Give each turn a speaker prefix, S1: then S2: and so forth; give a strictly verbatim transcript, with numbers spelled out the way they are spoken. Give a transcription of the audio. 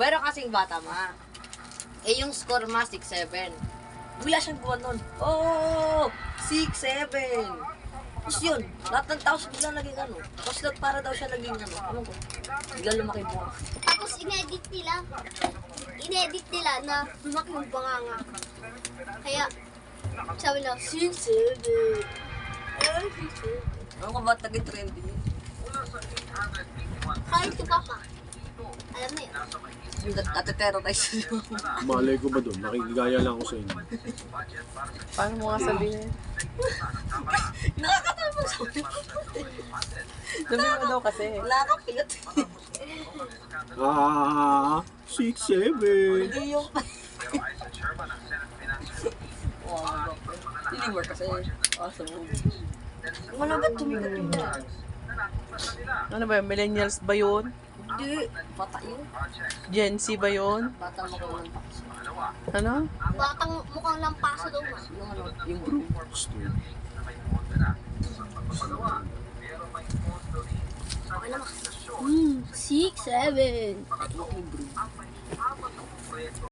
S1: Pero kasing bata ma. Eh yung score ma, six seven. Bigla siyang buwan nun. Oh! six seven! Tapos yun, lahat ng tao bigla naging ano. Tapos lahat para daw siya naging ano. Ano ko? Bigla lumaki buwan.
S2: Tapos inedit nila. Inedit nila na lumaki yung banganga. Kaya, sabi na, six seven. Ay, six seven.
S1: Ano ka ba't naging trending yun?
S2: Kahit si Papa. Alam mo yun.
S1: Yung nat-terrorize yun.
S3: Malay ko ba doon? Nakikigaya lang ako sa inyo.
S4: Paano mo nga sabihin?
S1: Nakakatawa sa
S4: Sabihin mo daw kasi.
S1: Nakakapilot.
S3: Ah, six, seven.
S1: Hindi yung... Wow, deliver kasi. Awesome movie. Wala ba tumigat yun na?
S4: Ano ba yun? Millennials ba yun?
S1: Hindi. Bata yun.
S4: Gen Z ba yun?
S1: Bata mo ko ng pakso.
S4: Ano?
S2: Batang mukhang lampaso daw ma.
S1: Yung ano, yung broom.
S2: Okay naman. Hmm, six, seven.
S1: Yung broom.